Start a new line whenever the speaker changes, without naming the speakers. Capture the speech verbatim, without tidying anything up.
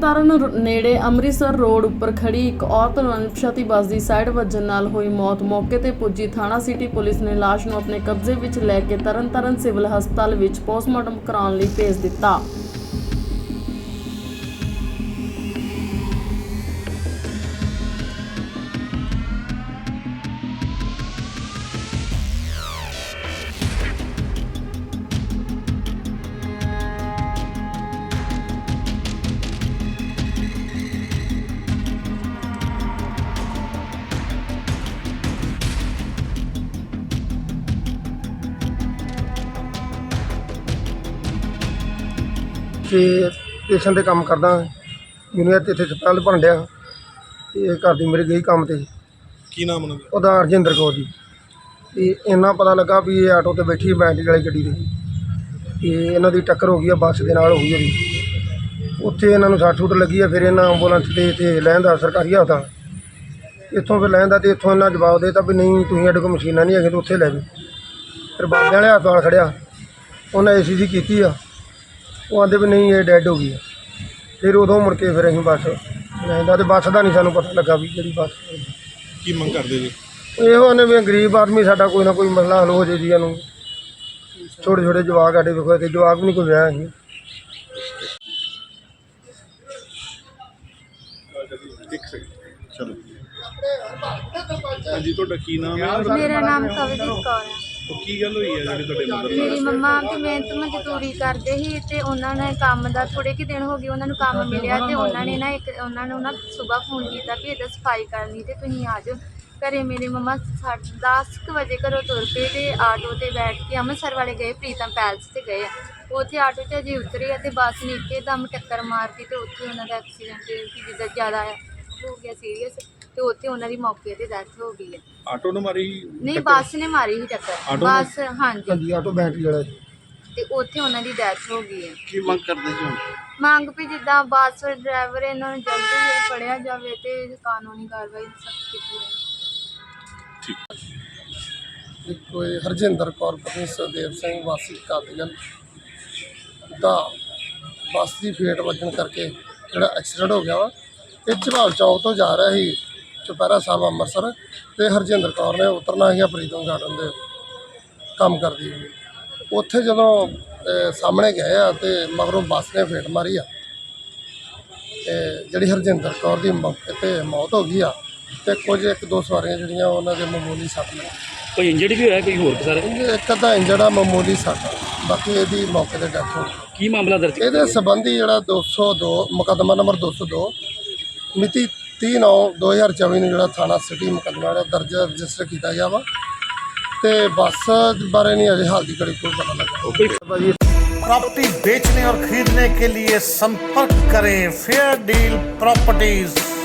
ਤਰਨਤਾਰਨ ਨੇੜੇ ਅੰਮ੍ਰਿਤਸਰ ਰੋਡ ਉੱਪਰ ਖੜੀ ਇੱਕ ਔਰਤ ਨੂੰ ਅਣਪਛਾਤੀ ਬੱਸ ਦੀ ਸਾਈਡ ਵੱਜਣ ਨਾਲ ਹੋਈ ਮੌਤ। ਮੌਕੇ ਤੇ ਪੁੱਜੀ ਥਾਣਾ ਸਿਟੀ ਪੁਲਿਸ ਨੇ ਲਾਸ਼ ਨੂੰ ਆਪਣੇ ਕਬਜ਼ੇ ਵਿੱਚ ਲੈ ਕੇ ਤਰਨਤਾਰਨ ਸਿਵਲ ਹਸਪਤਾਲ ਵਿੱਚ ਪੋਸਟਮਾਰਟਮ ਕਰਾਉਣ ਲਈ ਭੇਜ ਦਿੱਤਾ।
ਤੇ ਸਟੇਸ਼ਨ ਤੇ ਕੰਮ ਕਰਦਾ ਮੈਨੂੰ ਇੱਥੇ ਹਸਪਤਾਲ ਭਰਨ ਡਿਆ ਤੇ ਘਰ ਦੀ ਮੇਰੇ ਗਈ ਕੰਮ ਤੇ।
ਕੀ ਨਾਮ ਉਹਨਾਂ ਦਾ?
ਉਹਦਾ ਹਰਜਿੰਦਰ ਕੌਰ ਜੀ। ਤੇ ਇੰਨਾ ਪਤਾ ਲੱਗਾ ਵੀ ਇਹ ਆਟੋ ਤੇ ਬੈਠੀ ਬੈਟਰੀ ਵਾਲੀ ਗੱਡੀ ਤੇ ਤੇ ਇਹਨਾਂ ਦੀ ਟੱਕਰ ਹੋ ਗਈ ਆ, ਬੱਸ ਦੇ ਨਾਲ ਹੋ ਗਈ ਉਹਦੀ। ਉੱਥੇ ਇਹਨਾਂ ਨੂੰ ਸੱਟ ਸੁੱਟ ਲੱਗੀ ਆ। ਫਿਰ ਇਹਨਾਂ ਐਂਬੂਲੈਂਸ ਤੇ ਇੱਥੇ ਲੈਂਦਾ ਸਰਕਾਰੀ ਹਸਪਤਾਲ ਇੱਥੋਂ ਫਿਰ ਲੈਂਦਾ ਤੇ ਇੱਥੋਂ ਇਹਨਾਂ ਜਵਾਬ ਦੇ ਦਿੱਤਾ ਵੀ ਨਹੀਂ ਤੁਸੀਂ ਸਾਡੇ ਕੋਲ ਮਸ਼ੀਨਾਂ ਨਹੀਂ ਹੈਗੀਆਂ ਤਾਂ ਉੱਥੇ ਲੈ ਜਾਓ। ਫਿਰ ਬਾਬਿਆਂ ਵਾਲੇ ਹਸਪਤਾਲ ਖੜਿਆ, ਉਹਨਾਂ ਏ ਸੀ ਜੀ ਕੀਤੀ ਆ, ਉਹ ਆਂਦੇ ਵੀ ਨਹੀਂ ਇਹ ਡੈਡ ਹੋ ਗਈ ਆ। ਫਿਰ ਉਦੋਂ ਮੁੜ ਕੇ ਫਿਰ ਅਸੀਂ ਬੱਸ ਲੈਂਦਾ ਤੇ ਬੱਸ ਦਾ ਨਹੀਂ ਸਾਨੂੰ ਪਤਾ ਲੱਗਾ ਵੀ ਜਿਹੜੀ ਬੱਸ।
ਕੀ ਮੰਗ ਕਰਦੇ ਜੀ?
ਇਹੋ ਨੇ ਵੀ ਗਰੀਬ ਆਦਮੀ ਸਾਡਾ ਕੋਈ ਨਾ ਕੋਈ ਮਸਲਾ ਹੱਲ ਹੋ ਜੇ ਜੀ। ਇਹਨੂੰ ਛੋਟੇ ਛੋਟੇ ਜਵਾਕ ਸਾਡੇ ਵੇਖੋ ਤੇ ਜਵਾਕ ਵੀ ਨਹੀਂ ਕੋਈ ਵਿਆਹ ਅਸੀਂ।
ਇੱਕ ਸੈਕਿੰਡ ਚਲੋ। ਹਾਂਜੀ, ਤੁਹਾਡਾ ਕੀ ਨਾਮ ਹੈ?
मेरा नाम कवलजीत कौर है।
ਉਹ ਕੀ ਗੱਲ ਹੋਈ ਹੈ ਜਿਹੜੀ ਤੁਹਾਡੇ ਮਦਰ
ਮੇਰੀ
ਨਾਲ?
ਮੰਮਾ ਤੇ ਮੈਂ ਤਾਂ ਮਜ਼ਦੂਰੀ ਕਰਦੇ ਸੀ ਤੇ ਉਹਨਾਂ ਨੇ ਕੰਮ ਦਾ ਥੋੜੇ ਕਿ ਦਿਨ ਹੋ ਗਏ ਉਹਨਾਂ ਨੂੰ ਕੰਮ ਮਿਲਿਆ ਤੇ ਉਹਨਾਂ ਨੇ ਨਾ ਇੱਕ ਉਹਨਾਂ ਨੂੰ ਨਾ ਸਵੇਰ ਫੋਨ ਕੀਤਾ ਕਿ ਇਹਦਾ ਸਫਾਈ ਕਰਨੀ ਤੇ ਤੁਸੀਂ ਆ ਜਾਓ ਘਰੇ। ਮੇਰੇ ਮੰਮਾ ਦਸ ਕੁ ਵਜੇ ਘਰੋਂ ਤੁਰ ਪਏ ਤੇ ਆਟੋ ਤੇ ਬੈਠ ਕੇ ਅੰਮ੍ਰਿਤਸਰ ਵਾਲੇ ਗਏ, ਪ੍ਰੀਤਮ ਪੈਲਸ ਤੇ ਗਏ ਆ। ਉੱਥੇ ਆਟੋ 'ਚ ਅਜੇ ਉਤਰੇ ਆ ਤੇ ਬੱਸ ਨੇ ਇੱਕਦਮ ਟੱਕਰ ਮਾਰਤੀ ਤੇ ਉੱਥੇ ਉਹਨਾਂ ਦਾ ਐਕਸੀਡੈਂਟ ਜਿੱਦਾਂ ਜ਼ਿਆਦਾ ਹੋ ਗਿਆ ਸੀਰੀਅਸ ਤੇ ਉੱਥੇ ਉਹਨਾਂ ਦੀ ਮੌਕੇ ਤੇ ਡੈਥ ਹੋ ਗਈ ਹੈ।
ਆਟੋ ਨੇ ਮਾਰੀ?
ਨਹੀਂ, ਬੱਸ ਨੇ ਮਾਰੀ ਸੀ ਟੱਕਰ।
ਆਟੋ
ਬੱਸ ਹਾਂਜੀ
ਹਾਂਜੀ ਆਟੋ ਬੈਟਰੀ ਵਾਲਾ ਜੀ।
ਤੇ ਉੱਥੇ ਉਹਨਾਂ ਦੀ ਡੈਥ ਹੋ ਗਈ ਹੈ।
ਕੀ ਮੰਗ ਕਰਦੇ ਜੀ ਹੁਣ?
ਮੰਗ ਵੀ ਜਿੱਦਾਂ ਬੱਸ ਡਰਾਈਵਰ ਇਹਨਾਂ ਨੂੰ ਜਲਦੀ ਹੀ ਫੜਿਆ ਜਾਵੇ ਤੇ ਕਾਨੂੰਨੀ ਕਾਰਵਾਈ ਸਖਤ ਕੀਤੀ ਜਾਵੇ।
ਠੀਕ।
ਇੱਕ ਕੋਈ ਹਰਜਿੰਦਰ ਕੌਰ ਪਤਨੀ ਸੁਖਦੇਵ ਸਿੰਘ ਵਾਸੀ ਕਾਦੀਗਲ ਦਾ ਬੱਸ ਦੀ ਫੇਟ ਵੱਜਣ ਕਰਕੇ ਜਿਹੜਾ ਐਕਸੀਡੈਂਟ ਹੋ ਗਿਆ ਵਾ। ਇਹ ਝਬਾਲ ਚੌਕ ਤੋਂ ਜਾ ਰਿਹਾ ਸੀ ਚੁਪਹਿਰਾ ਸਾਹਿਬ ਅੰਮ੍ਰਿਤਸਰ ਤੇ ਹਰਜਿੰਦਰ ਕੌਰ ਨੇ ਉਤਰਨਾ ਸੀਗਾ ਪ੍ਰੀਤਮ ਗਾਰਡਨ ਦੇ ਕੰਮ ਕਰਦੀ ਸੀ। ਉੱਥੇ ਜਦੋਂ ਅਹ, ਸਾਹਮਣੇ ਗਏ ਆ ਤੇ ਮਗਰੋਂ ਬੱਸ ਨੇ ਫੇਟ ਮਾਰੀ ਆ ਤੇ ਜਿਹੜੀ ਹਰਜਿੰਦਰ ਕੌਰ ਦੀ ਮੌਕੇ ਤੇ ਮੌਤ ਹੋ ਗਈ ਆ ਤੇ ਕੁਝ ਇੱਕ ਦੋ ਸਵਾਰੀਆਂ ਜਿਹੜੀਆਂ ਉਹਨਾਂ ਦੇ ਮਾਮੂਲੀ ਸੱਟ ਲੱਗੀ।
ਕੋਈ ਇੰਜਰਡ ਵੀ ਹੋਇਆ ਕੋਈ ਹੋਰ ਸਰ?
ਇੱਕ ਅੱਧਾ ਇੰਜਰਡ ਆ, ਮਾਮੂਲੀ ਸੱਟ, ਬਾਕੀ ਇਹਦੀ ਮੌਕੇ ਤੇ ਡੈਥ ਹੋ ਗਈ।
ਕੀ ਮਾਮਲਾ ਦਰਜ?
ਇਹਦੇ ਸੰਬੰਧੀ ਜਿਹੜਾ ਦੋ ਸੌ ਦੋ ਮੁਕੱਦਮਾ ਨੰਬਰ ਦੋ ਸੌ ਦੋ ਮਿਤੀ ਤੀਹ ਨੌ ਦੋ ਹਜ਼ਾਰ ਚੌਵੀ ਨੂੰ ਜਿਹੜਾ ਥਾਣਾ ਸਿਟੀ ਮੁਕੱਦਮਾ ਜਿਹੜਾ ਦਰਜ ਰਜਿਸਟਰ ਕੀਤਾ ਗਿਆ ਵਾ ਤੇ ਬੱਸ ਬਾਰੇ ਨਹੀਂ ਅਜੇ ਹਾਲ ਦੀ ਘੜੀ ਕੋਈ ਪਤਾ ਲੱਗਾ।
प्रॉपर्टी बेचने और खरीदने के लिए संपर्क करें फेयर डील प्रॉपर्टीज।